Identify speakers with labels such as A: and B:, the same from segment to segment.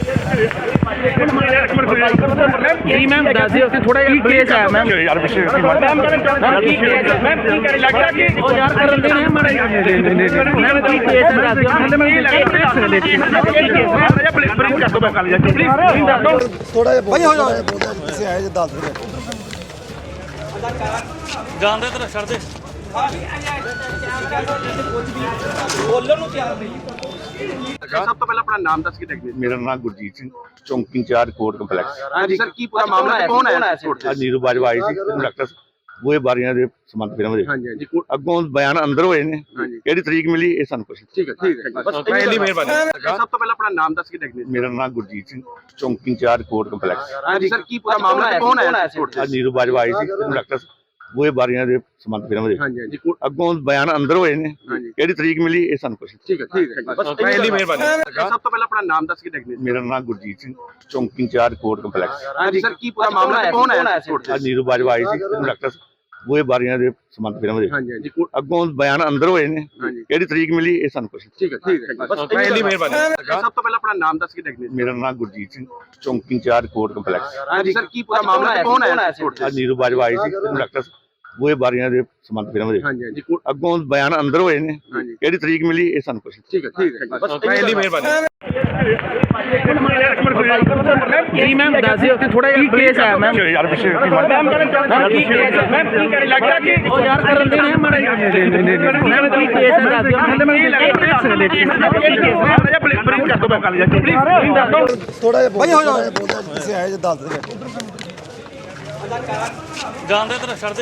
A: जी ma'am दस दिओ थोड़ा केस है मैम यार पिछे मैम की केस है मैम की करे लगता कि ओ यार करन दे मैम मैम की केस है दस दिओ मतलब मैं प्रिंट कर दो मैं कल जाके प्लीज दस दो
B: थोड़ा जिहा भाई हो जाए किसी आए जे दस दे
C: जान दे तेरा छड़ दे बोलन ਨੂੰ ਤਿਆਰ ਨਹੀਂ
D: ਸਭ ਤੋਂ ਪਹਿਲਾਂ ਆਪਣਾ ਨਾਮ ਦੱਸ ਕੇ ਦੇਖਦੇ
E: ਮੇਰਾ ਨਾਮ ਗੁਰਜੀਤ ਸਿੰਘ ਚੌਂਕੀ ਇੰਚਾਰਜ ਕੋਰਟ ਕੰਪਲੈਕਸ।
D: ਹਾਂਜੀ ਸਰ ਕੀ ਪੂਰਾ ਮਾਮਲਾ ਹੈ ਕੌਣ ਆਇਆ ਸੀ ਕੋਰਟ
E: ਅੱਜ ਨੀਰੂ ਬਾਜਵਾ ਆਈ ਸੀ ਡਾਕਟਰ ਬੂਹੇ ਬਾਰੀਆਂ ਦੇ ਸੰਬੰਧ ਫਿਲਮ ਦੇ
D: ਹਾਂਜੀ ਹਾਂਜੀ
E: ਅੱਗੋਂ ਬਿਆਨ ਅੰਦਰ ਹੋਏ ਨੇ
D: ਹਾਂਜੀ
E: ਕਿਹੜੀ ਤਰੀਕ ਮਿਲੀ ਇਹ ਸਾਨੂੰ ਕੁਛ
D: ਠੀਕ ਹੈ ਬਸ
C: ਪਹਿਲੀ ਮਿਹਰਬਾਨੀ
D: ਸਭ ਤੋਂ ਪਹਿਲਾਂ ਆਪਣਾ ਨਾਮ ਦੱਸ ਕੇ ਦੇਖਦੇ
E: ਮੇਰਾ ਨਾਮ ਗੁਰਜੀਤ ਸਿੰਘ ਚੌਂਕੀ ਇੰਚਾਰਜ ਕੋਰਟ ਕੰਪਲੈਕਸ।
D: ਹਾਂਜੀ ਸਰ ਕੀ ਪੂਰਾ ਮਾਮਲਾ ਹੈ ਕੌਣ ਆਇਆ ਸੀ ਕੋਰਟ
E: ਅੱਜ ਨੀਰੂ ਬਾਜਵਾ ਆਈ ਸੀ ਡਾਕਟਰ ਬੂਹੇ ਬਾਰੀਆਂ ਦੇ ਸੰਬੰਧ ਫਿਲਮ ਦੇ
D: ਹਾਂਜੀ ਹਾਂਜੀ
E: ਅੱਗੋਂ ਬਿਆਨ ਅੰਦਰ ਹੋਏ ਨੇ
D: ਹਾਂਜੀ
E: ਕਿਹੜੀ ਤਰੀਕ ਮਿਲੀ ਇਹ ਸਾਨੂੰ ਕੁਛ
D: ਠੀਕ ਹੈ ਬਸ
C: ਪਹਿਲੀ ਮਿਹਰਬਾਨੀ
D: ਸਭ ਤੋਂ ਪਹਿਲਾਂ ਆਪਣਾ ਨਾਮ ਦੱਸ ਕੇ ਦੇਖਦੇ
E: ਮੇਰਾ ਨਾਮ ਗੁਰਜੀਤ ਸਿੰਘ ਚੌਂਕੀ ਇੰਚਾਰਜ ਕੋਰਟ ਕੰਪਲੈਕਸ।
D: ਹਾਂਜੀ ਸਰ ਕੀ ਪੂਰਾ ਮਾਮਲਾ ਹੈ ਕੌਣ ਆਇਆ ਸੀ ਕੋਰਟ
E: ਅੱਜ ਨੀਰੂ ਬਾਜਵਾ ਆਈ ਸੀ ਡਾਕਟਰ ਬੂਹੇ ਬਾਰੀਆਂ ਦੇ ਸੰਬੰਧ ਫਿਲਮ ਦੇ
D: ਹਾਂਜੀ ਹਾਂਜੀ
E: ਅੱਗੋਂ ਬਿਆਨ ਅੰਦਰ ਹੋਏ ਨੇ
D: ਹਾਂਜੀ
E: ਕਿਹੜੀ ਤਰੀਕ ਮਿਲੀ ਇਹ ਸਾਨੂੰ ਕੁਛ
D: ਠੀਕ ਹੈ ਬਸ
C: ਪਹਿਲੀ ਮਿਹਰਬਾਨੀ
D: ਸਭ ਤੋਂ ਪਹਿਲਾਂ ਆਪਣਾ ਨਾਮ ਦੱਸ ਕੇ ਦੇਖਦੇ
E: ਮੇਰਾ ਨਾਮ ਗੁਰਜੀਤ ਸਿੰਘ ਚੌਂਕੀ ਇੰਚਾਰਜ ਕੋਰਟ ਕੰਪਲੈਕਸ।
D: ਹਾਂਜੀ ਸਰ ਕੀ ਪੂਰਾ ਮਾਮਲਾ ਹੈ ਕੌਣ ਆਇਆ ਸੀ ਕੋਰਟ
E: ਅੱਜ ਨੀਰੂ ਬਾਜਵਾ ਆਈ ਸੀ ਡਾਕਟਰ ਬੂਹੇ ਬਾਰੀਆਂ ਦੇ ਸੰਬੰਧ ਫਿਲਮ ਦੇ
D: ਹਾਂਜੀ ਹਾਂਜੀ
E: ਅੱਗੋਂ ਬਿਆਨ ਅੰਦਰ ਹੋਏ ਨੇ
D: ਹਾਂਜੀ
E: ਕਿਹੜੀ ਤਰੀਕ ਮਿਲੀ ਇਹ ਸਾਨੂੰ ਕੁਛ
D: ਠੀਕ ਹੈ ਬਸ
C: ਪਹਿਲੀ ਮਿਹਰਬਾਨੀ
A: जी मैम दस दिओ थोड़ा केस है मैम
E: यार पिछे
A: मैम की केस है मैम की करे लगता कि ओ यार करन दे मैम की केस है दस दिओ मतलब मैं प्रिंट कर दो मैं कल जाके प्लीज दस दो
B: थोड़ा जिहा भाई हो जाए किसी आए जे दस दे
C: ਜਾਨ ਦੇ ਤੇਰਾ ਛੜ ਦੇ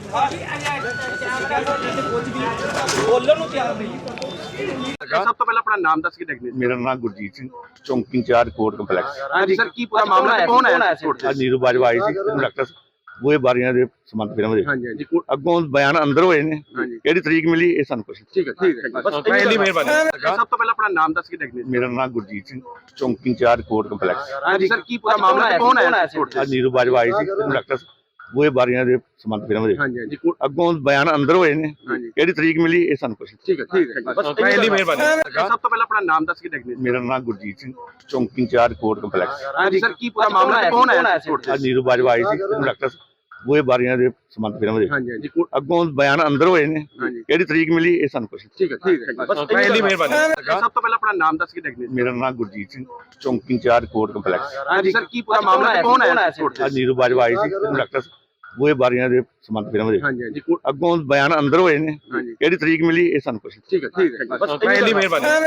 C: ਬੋਲਣ ਨੂੰ ਤਿਆਰ ਨਹੀਂ
D: ਸਭ ਤੋਂ ਪਹਿਲਾਂ ਆਪਣਾ ਨਾਮ ਦੱਸ ਕੇ ਦੇਖਦੇ
E: ਮੇਰਾ ਨਾਮ ਗੁਰਜੀਤ ਸਿੰਘ ਚੌਂਕੀ ਇੰਚਾਰਜ ਕੋਰਟ ਕੰਪਲੈਕਸ।
D: ਹਾਂਜੀ ਸਰ ਕੀ ਪੂਰਾ ਮਾਮਲਾ ਹੈ ਕੌਣ ਆਇਆ ਸੀ ਕੋਰਟ
E: ਅੱਜ ਨੀਰੂ ਬਾਜਵਾ ਆਈ ਸੀ ਡਾਕਟਰ ਬੂਹੇ ਬਾਰੀਆਂ ਦੇ ਸੰਬੰਧ ਫਿਲਮ ਦੇ
D: ਹਾਂਜੀ ਹਾਂਜੀ
E: ਅੱਗੋਂ ਬਿਆਨ ਅੰਦਰ ਹੋਏ ਨੇ
D: ਹਾਂਜੀ
E: ਕਿਹੜੀ ਤਰੀਕ ਮਿਲੀ ਇਹ ਸਾਨੂੰ ਕੁਛ
D: ਠੀਕ ਹੈ ਬਸ
C: ਪਹਿਲੀ ਮਿਹਰਬਾਨੀ
D: ਸਭ ਤੋਂ ਪਹਿਲਾਂ ਆਪਣਾ ਨਾਮ ਦੱਸ ਕੇ ਦੇਖਦੇ
E: ਮੇਰਾ ਨਾਮ ਗੁਰਜੀਤ ਸਿੰਘ ਚੌਂਕੀ ਇੰਚਾਰਜ ਕੋਰਟ ਕੰਪਲੈਕਸ।
D: ਹਾਂਜੀ ਸਰ ਕੀ ਪੂਰਾ ਮਾਮਲਾ ਹੈ ਕੌਣ ਆਇਆ ਸੀ ਕੋਰਟ
E: ਅੱਜ ਨੀਰੂ ਬਾਜਵਾ ਆਈ ਸੀ ਡਾਕਟਰ ਬੂਹੇ ਬਾਰੀਆਂ ਦੇ ਸੰਬੰਧ ਫਿਲਮ ਦੇ
D: ਹਾਂਜੀ ਹਾਂਜੀ
E: ਅੱਗੋਂ ਬਿਆਨ ਅੰਦਰ ਹੋਏ ਨੇ
D: ਹਾਂਜੀ
E: ਕਿਹੜੀ ਤਰੀਕ ਮਿਲੀ ਇਹ ਸਾਨੂੰ ਕੁਛ
D: ਠੀਕ ਹੈ ਬਸ
C: ਪਹਿਲੀ ਮਿਹਰਬਾਨੀ
D: ਸਭ ਤੋਂ ਪਹਿਲਾਂ ਆਪਣਾ ਨਾਮ ਦੱਸ ਕੇ ਦੇਖਦੇ
E: ਮੇਰਾ ਨਾਮ ਗੁਰਜੀਤ ਸਿੰਘ ਚੌਂਕੀ ਇੰਚਾਰਜ ਕੋਰਟ ਕੰਪਲੈਕਸ।
D: ਹਾਂਜੀ ਸਰ ਕੀ ਪੂਰਾ ਮਾਮਲਾ ਹੈ ਕੌਣ ਆਇਆ ਸੀ ਕੋਰਟ
E: ਅੱਜ ਨੀਰੂ ਬਾਜਵਾ ਆਈ ਸੀ ਡਾਕਟਰ ਬੂਹੇ ਬਾਰੀਆਂ ਦੇ ਸੰਬੰਧ ਫਿਲਮ ਦੇ
D: ਹਾਂਜੀ ਹਾਂਜੀ
E: ਅੱਗੋਂ ਬਿਆਨ ਅੰਦਰ ਹੋਏ ਨੇ
D: ਹਾਂਜੀ
E: ਕਿਹੜੀ ਤਰੀਕ ਮਿਲੀ ਇਹ ਸਾਨੂੰ ਕੁਛ
D: ਠੀਕ ਹੈ ਬਸ
C: ਪਹਿਲੀ ਮਿਹਰਬਾਨੀ
D: ਸਭ ਤੋਂ ਪਹਿਲਾਂ ਆਪਣਾ ਨਾਮ ਦੱਸ ਕੇ ਦੇਖਦੇ
E: ਮੇਰਾ ਨਾਮ ਗੁਰਜੀਤ ਸਿੰਘ ਚੌਂਕੀ ਇੰਚਾਰਜ ਕੋਰਟ ਕੰਪਲੈਕਸ।
D: ਹਾਂਜੀ ਸਰ ਕੀ ਪੂਰਾ ਮਾਮਲਾ ਹੈ ਕੌਣ ਆਇਆ ਸੀ ਕੋਰਟ
E: ਅੱਜ ਨੀਰੂ ਬਾਜਵਾ ਆਈ ਸੀ ਡਾਕਟਰ ਬੂਹੇ ਬਾਰੀਆਂ ਦੇ ਸੰਬੰਧ ਫਿਲਮ ਦੇ
D: ਹਾਂਜੀ ਹਾਂਜੀ
E: ਅੱਗੋਂ ਬਿਆਨ ਅੰਦਰ ਹੋਏ ਨੇ
D: ਹਾਂਜੀ
E: ਕਿਹੜੀ ਤਰੀਕ ਮਿਲੀ ਇਹ ਸਾਨੂੰ ਕੁਛ
D: ਠੀਕ ਹੈ ਬਸ
C: ਪਹਿਲੀ ਮਿਹਰਬਾਨੀ